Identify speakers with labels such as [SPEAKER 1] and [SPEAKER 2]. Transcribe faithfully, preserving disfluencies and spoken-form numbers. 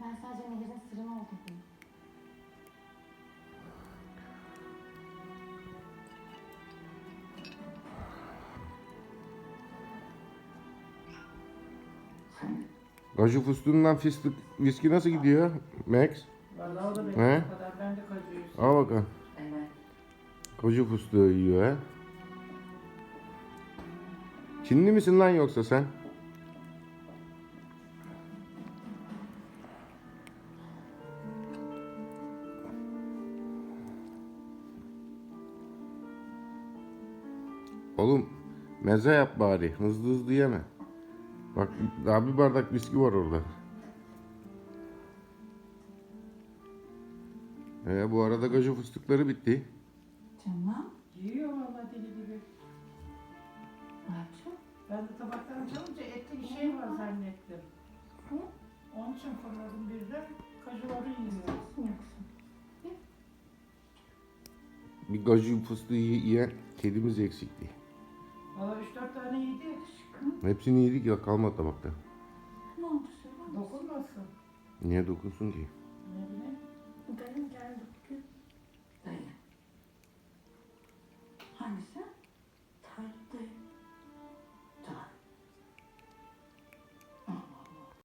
[SPEAKER 1] Ben sadece Nehir'in sırrını okudum.
[SPEAKER 2] Kaju fıstığından fıstık viski nasıl gidiyor Max?
[SPEAKER 3] Vallahi o da benim
[SPEAKER 2] He?
[SPEAKER 3] kadar. Ben de kacıyı
[SPEAKER 2] Al bakalım.
[SPEAKER 3] Evet.
[SPEAKER 2] Kaju fıstığı yiyor ha. Çinli misin lan yoksa sen? Oğlum meze yap bari. Hızlı hızlı yeme. Bak daha bir bardak viski var orada. Ee, bu arada kaju fıstıkları bitti.
[SPEAKER 1] Canım.
[SPEAKER 3] Yiyor vallahi deli gibi.
[SPEAKER 1] Ne yapacağım?
[SPEAKER 3] Ben de tabaktan çalınca ette bir şey var zannettim.
[SPEAKER 1] Hı?
[SPEAKER 3] Onun için fırladım birden. Kajuları yiyor.
[SPEAKER 1] Yoksa.
[SPEAKER 2] Bir kaju fıstığı yiyen kedimiz eksikti.
[SPEAKER 3] Valla üç dört tane yedi.
[SPEAKER 2] Hepsini yedik ya, kalmadı tabakta.
[SPEAKER 1] Ne oldu söyler misin?
[SPEAKER 3] Dokunmasın.
[SPEAKER 2] Niye dokunsun ki?
[SPEAKER 3] Ne bileyim.
[SPEAKER 1] Dayım geldi bugün. Dayı. Hangisi? Tarık dayı.